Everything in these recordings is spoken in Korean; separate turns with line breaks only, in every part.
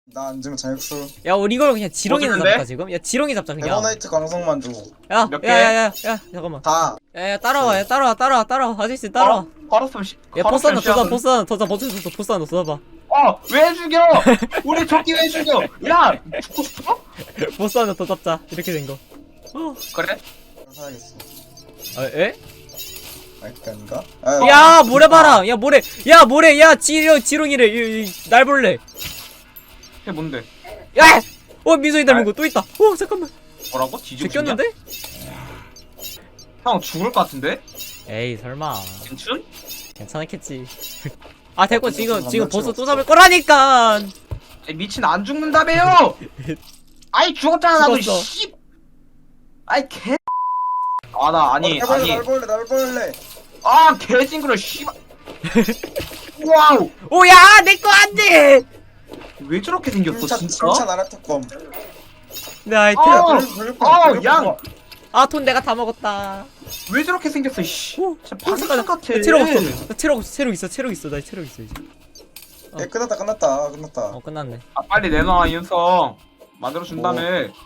나 앉으면 자격수.
야 우리 이걸 그냥 지렁이나
어떡한데?
잡자 지금. 야 지렁이 잡자 그냥.
에버나이트 광석만 주고.
몇 개?
야야야야 잠깐만.
다.
야야 따라와 야 따라와 아저씨 따라와.
걸었으면
야 보스 하나 더 보스 하나 더 보스 하나 더 쏴봐.
왜 죽여? 우리 조끼 왜 죽여? 야 죽고 싶어?
보스 하나 더 잡자 이렇게 된 거.
그래?
사야겠어.
아 에?
아닌가?
야 모래바람 야 모래 야 지렁이래 날 볼래.
그게 뭔데?
야! 민성이 닮은 거 또 있다. 잠깐만.
뭐라고? 뒤지고
제꼈는데?
싶냐? 형 죽을 것 같은데?
에이 설마.
괜춘?
괜찮았겠지. 아 됐고 지금 보스 또 잡을 거라니까.
미친 안 죽는다며요! 아이 죽었잖아 나도
죽었어.
씨. 아이 개. 나 아니
날 볼래.
아 개징그러 씨발. 와우.
오야 내 거 안 돼.
왜 저렇게 생겼어 진짜?
진짜 나라특검.
내 아이템.
양.
돈 내가 다 먹었다.
왜 저렇게 생겼어 씨.
오,
진짜 방탄 같아.
나 체력 없어. 나 체력 있어. 나 체력 있어 이제.
야 끝났다.
끝났네.
빨리 내놔 이윤성. 만들어 준다며.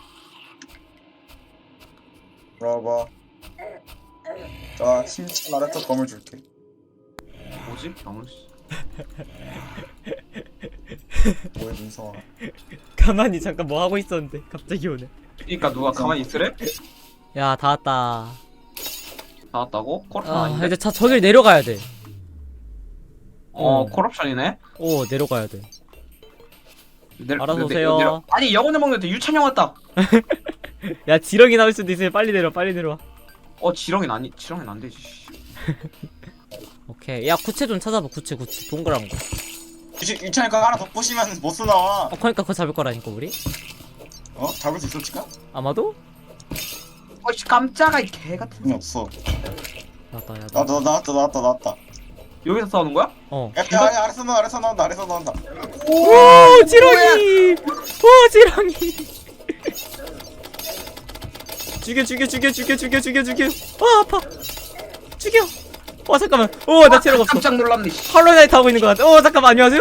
물어봐. 자 힘찬 나라특검을 줄게.
뭐지? 병을 씨.
뭐야 민성아.
가만히 잠깐 뭐 하고 있었는데 갑자기 오네.
그니까 누가 가만히 있으래?
야 다 왔다.
나왔다고? 콜옵션 아닌데?
이제 저길 내려가야 돼.
콜옵션이네?
내려가야 돼. 알아서
내-
오세요.
아니 영혼의 먹는데 유찬형 왔다.
야 지렁이 나올 수도 있으니 빨리 내려와.
지렁이는 안 되지. 씨.
오케이. 야 구체 좀 찾아봐. 구체 동그란 거.
유찬이가 하나 더 부시면 못 나와.
그러니까 그거 잡을 거라니까 우리.
잡을 수 있을지가?
아마도?
씨 깜짝아 이 개 같은.
돈이 없어.
나왔다. 야
나왔다.
여기서 싸우는 거야?
야 아래서 나온다.
오 지렁이. 오 지렁이. 죽여. 아파. 죽여. 잠깐만. 나 체력 없어.
깜짝 놀랐네.
헐로나이트 하고 있는 것 같아. 잠깐만. 안녕하세요.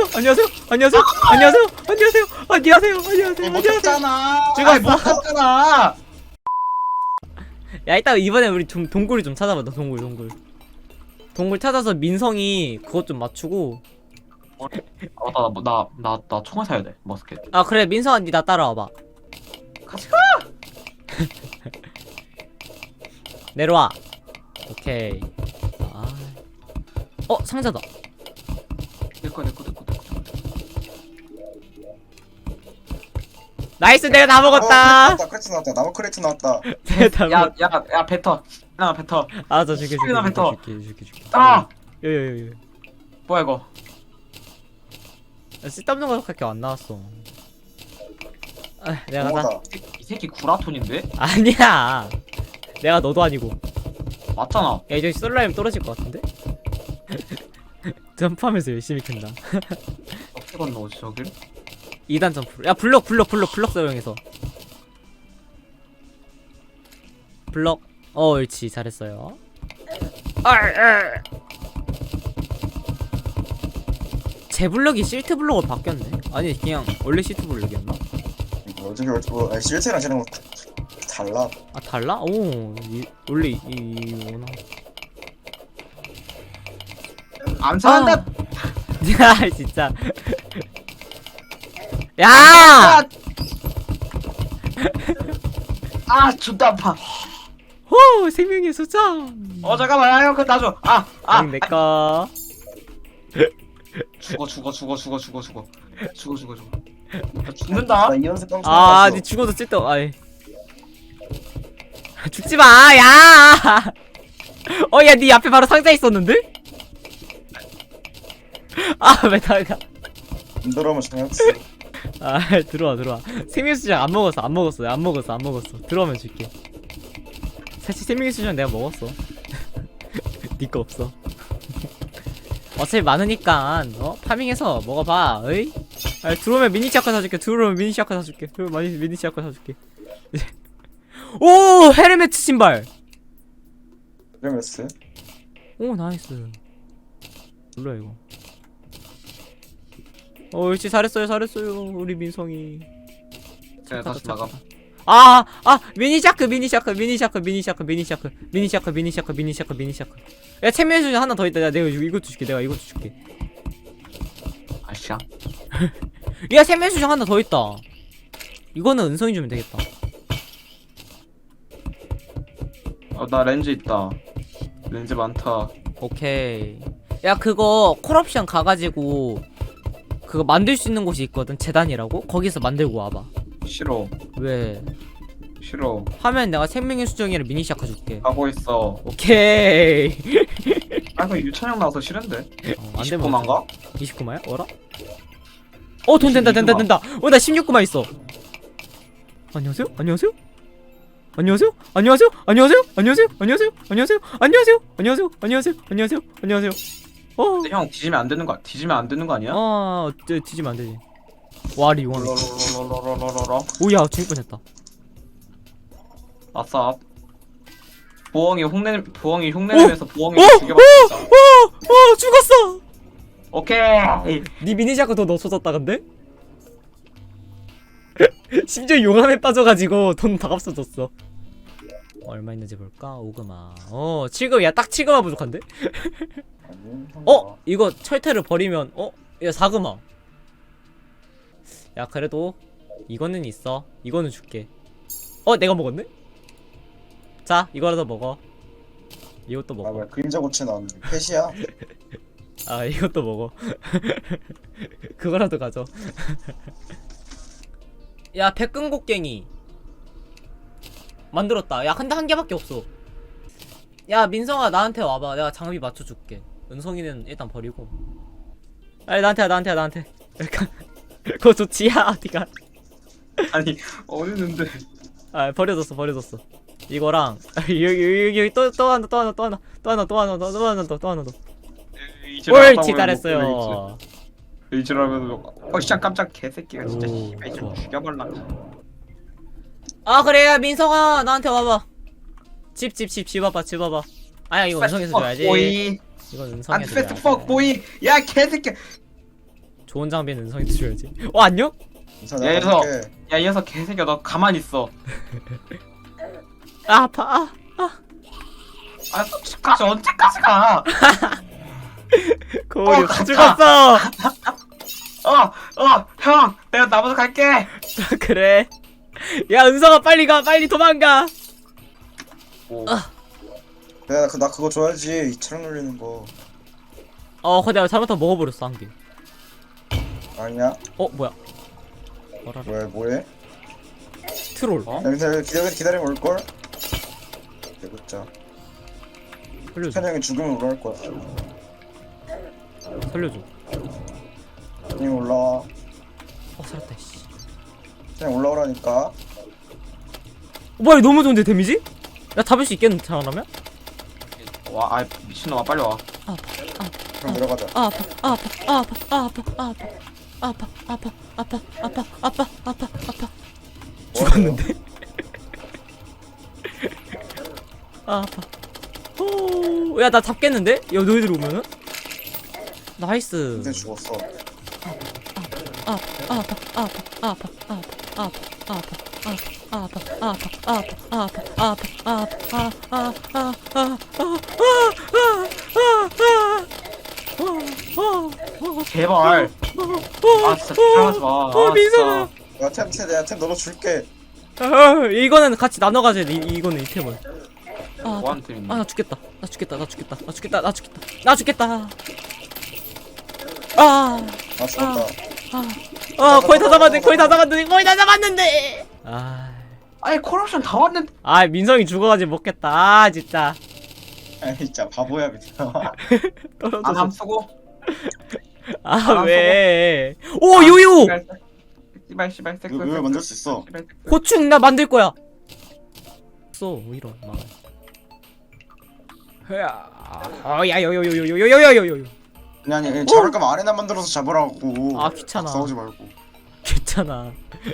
못 잡잖아.
죽었어.
못 갔잖아.
야 이따 이번에 우리 좀 동굴이 좀 찾아봐. 너 동굴 찾아서 민성이 그것 좀 맞추고.
나 총알 사야 돼. 머스켓.
그래 민성아 니 나 따라와봐.
같이 가.
내려와. 오케이. 상자다.
내꺼.
나이스 내가 다 먹었다.
크레츠 나왔다. 나무 크레츠 나왔다.
내가 다 먹.
야 뱉어. 나 뱉어.
알았어 줄게.
나 뱉어.
줄게.
아
요요요.
뭐야 이거?
쓸데없는 거밖에 안 나왔어. 내가 다.
뭐다.
이 새끼 구라톤인데?
아니야. 내가 너도 아니고.
맞잖아.
야 이제 솔라임 떨어질 것 같은데? 점프하면서 열심히 캔다.
어떻게 건너오지 저길?
2단 점프로. 야 블럭 사용해서. 블럭. 옳지 잘했어요. 제 블럭이 실트 블럭으로 바뀌었네. 아니 그냥 원래 실트 블럭이었나?
어차피 실체랑 쟤랑 달라.
달라? 원래 이거나.
안 사는데.
야 진짜. 야!
존나 아파.
생명의 수장.
잠깐만, 형, 그거 놔줘.
내꺼.
죽어. 나 죽는다.
나 이연습 깡총.
니 죽어도 쓸데 아이. 죽지 마, 야! 야, 니 앞에 바로 상자 있었는데? 왜 나가?
안 들어오면 장난치.
들어와. 생명의 수장 안 먹었어. 들어오면 줄게. 사실 생명의 수장 내가 먹었어. 니 거 없어. 어차피 많으니까 파밍해서 먹어봐. 어이? 들어오면 미니 시아카 사줄게. 미니 시아카 사줄게. 오 헤르메트 신발.
헤르메스.
오 나이스. 몰라 이거. 옳지, 잘했어요, 잘했어요. 우리 민성이.
자 다시 나가.
미니샤크. 야, 챔피언 수준 하나 더 있다. 내가 이것도 줄게.
아씨야.
야, 챔피언 수준 하나 더 있다. 이거는 은성이 주면 되겠다.
나 렌즈 있다. 렌즈 많다.
오케이. 야, 그거 콜옵션 가가지고 그거 만들 수 있는 곳이 있거든. 재단이라고. 거기서 만들고 와봐.
싫어.
왜?
싫어.
하면 내가 생명의 수정이랑 미니샤크 줄게.
가고 있어.
오케이.
그 유찬형 나와서 싫은데.
안 되면
29만가?
29마야? 어라? 돈 된다. 나 16구마 있어. 안녕하세요?
근데 형 뒤지면 안 되는 거 아니야?
뒤지면 안 되지. 와리 원.
롤롤롤롤롤롤롤.
오야, 죽을 뻔했다.
아싸. 부엉이 흉내내면서 부엉이 죽여봤다.
죽었어.
오케이.
니 미니샤크 돈 없어졌다 근데? 심지어 용암에 빠져가지고 돈 다 없어졌어. 얼마 있는지 볼까? 5금아. 7금. 야, 딱 7금아 부족한데?
아니,
이거 철퇴를 버리면 야, 4금아. 야, 그래도 이거는 있어. 이거는 줄게. 내가 먹었네? 자, 이거라도 먹어. 이것도 먹어.
뭐야, 그림자 고치 나왔는데. 펫이야?
이것도 먹어. 그거라도 가져. 야, 백근곡갱이 만들었다. 야, 근데 한 개밖에 없어. 야, 민성아, 나한테 와봐. 내가 장비 맞춰줄게. 은성이는 일단 버리고. 아니, 나한테. 그거 좋지? 야, 어디가?
아니 어디 있는데?
버려졌어. 이거랑 여기 또 하나 더. 옳지, 잘했어요.
이지라면 진짜 깜짝 개새끼가 진짜
오,
씨발
좋아.
좀 죽여볼라.
그래, 민성아, 나한테 와봐. 집 와봐. 아야, 이거 은성에서 줘야지.
보이.
이건
안
은성에서
패스트
줘야지.
퍽 보이. 야 개새끼.
좋은 장비는 은성에서 줘야지. 안녕?
우선
야,
내가
그래서-
볼게.
야 이 녀석 개새끼야 너 가만히 있어.
아파.
솔직까지 언제까지 가?
고려
가자.
죽었어.
형 내가 나머지 갈게.
그래. 야, 은성아, 빨리 가. 빨리 도망가.
오.
나 그거 줘야지. 이 차량 놀리는 거.
근데 내가 잘못하면 먹어버렸어, 한 개.
아니야?
뭐야?
뭐해?
트롤.
여기서 기다리면 올걸? 대구자.
살려줘.
찬영이 죽으면 올라올 거야.
살려줘.
찬영이 올라와.
살았다, 씨.
찬영 올라오라니까.
뭐야, 이거 너무 좋은데, 데미지? 야, 잡을 수 있겠는데, 잘하면?
와 미친놈아 빨리 와.
그럼 내려가자.
죽었는데? 야, 나 잡겠는데? 야, 너희들 오면은? 나이스.
근데 죽었어.
제발. 진짜 들어가지 마.
민성아.
내가 템 너도 줄게.
이거는 같이 나눠 가져야 돼. 이거는 이 템을.
뭐한테 있니?
나 죽겠다.
죽었다.
거의 다 잡았는데.
아니 콜옵션 다 왔는데.
민성이 죽어가지고 먹겠다. 진짜.
아이 진짜 바보야 미쳐.
떨어져서.
안함 쓰고.
왜? 오, 요요.
씨발
왜 만들 수 있어?
고충 나 만들 거야. 이런 막. 야, 요요요요요요요요요.
아니 잡을 거면 아레나 만들어서 잡으라고.
귀찮아.
싸우지 말고.
괜찮아.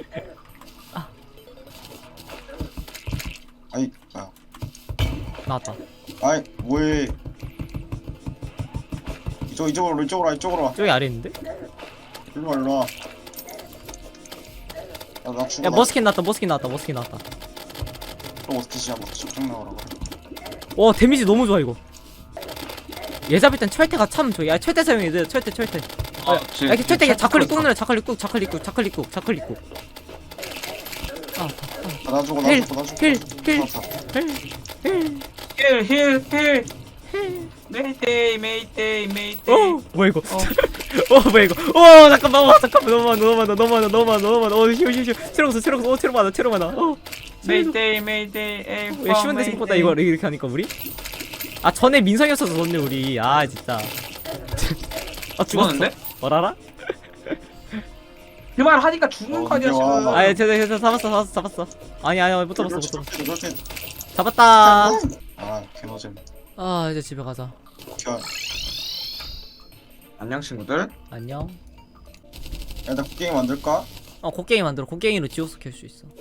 아이 야.
나왔다.
아이 뭐해? 이쪽으로 와.
저기 아래 있는데?
일로와 일로와. 야나 죽어.
야 머스킨 나왔다 머스킨 나왔다 머스킨 나왔다.
또 어떻게 지야 뭐 접종 나오라고.
와 데미지 너무 좋아 이거. 얘 잡을 땐 철퇴가 참 좋아. 야 철퇴 사용해야 돼. 철퇴 철퇴. 야 이렇게 철퇴 자클릭 꾹 눌러. 자클릭 꾹 자클릭 꾹 자클릭 꾹 자클릭 꾹.
나 죽어
힐,
나 죽어 나 죽어.
힐, 힐.
알았어.
힐 메이데이 메이데이 메이데이
어 뭐야 이거? 어 뭐야 이거? 어 잠깐만 잠깐만 너무 많아. 쉬워. 트럭 많아 트럭 많아.
메이데이 메이데이
왜 쉬운데 생각보다 이거 이렇게 하니까 우리? 아 전에 민성이었어서 졌네 우리. 아 진짜. 아
죽었는데?
뭐라라?
그 말 하니까 죽는 거 아니야
와,
지금
아예 제가 잡았어. 아니 못 잡았어.
그렇지.
잡았다.
아 개노잼.
아 이제 집에 가자.
겨.
안녕 친구들
안녕.
야나 게임 만들까?
곡괭이 만들어. 곡괭이로 지옥수 켤 수 있어.